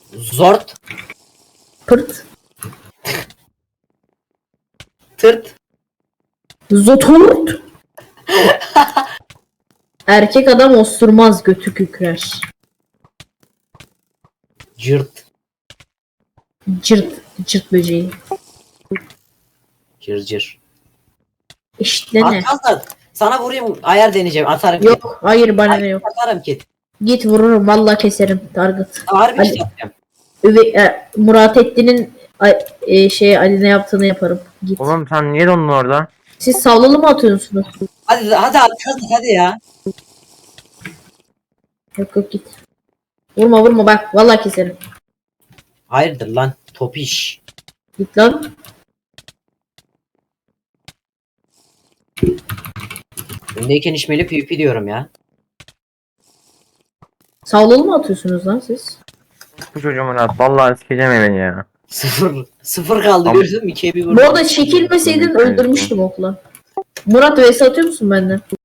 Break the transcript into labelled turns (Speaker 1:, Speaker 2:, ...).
Speaker 1: Zort.
Speaker 2: Pırt.
Speaker 1: Tırt.
Speaker 2: Zotort. Erkek adam osturmaz, götü kükrer.
Speaker 1: Cırt.
Speaker 2: Cırt. Cırt böceği.
Speaker 1: Cırcır.
Speaker 2: İşte ne?
Speaker 1: Atmaz. Sana vurayım, ayar deneyeceğim. Atarım ki.
Speaker 2: Yok. Hayır, bana ne yok.
Speaker 1: Atarım ki.
Speaker 2: Git vururum. Vallahi keserim. Target.
Speaker 1: Harbi
Speaker 2: Ali-
Speaker 1: şey yapacağım.
Speaker 2: Murat Ettin'in Ali ne yaptığını yaparım. Git.
Speaker 3: Oğlum sen niye dondun orada?
Speaker 2: Siz sallalı mı atıyorsunuz?
Speaker 1: Hadi ya.
Speaker 2: Yok yok, git. Vurma bak. Vallahi keserim.
Speaker 1: Hayırdır lan topiş.
Speaker 2: Git lan.
Speaker 1: Öndeyken içmeli PvP diyorum ya.
Speaker 2: Sallalı mı atıyorsunuz lan siz?
Speaker 3: Bu çocuğu Murat. Vallahi sikeceğim beni ya.
Speaker 1: Sıfır kaldı,
Speaker 3: Tamam.
Speaker 1: gördün mü? 2'ye 1
Speaker 2: Bu arada çekilmeseydin öldürmüştüm okla. Murat vs atıyor musun benden?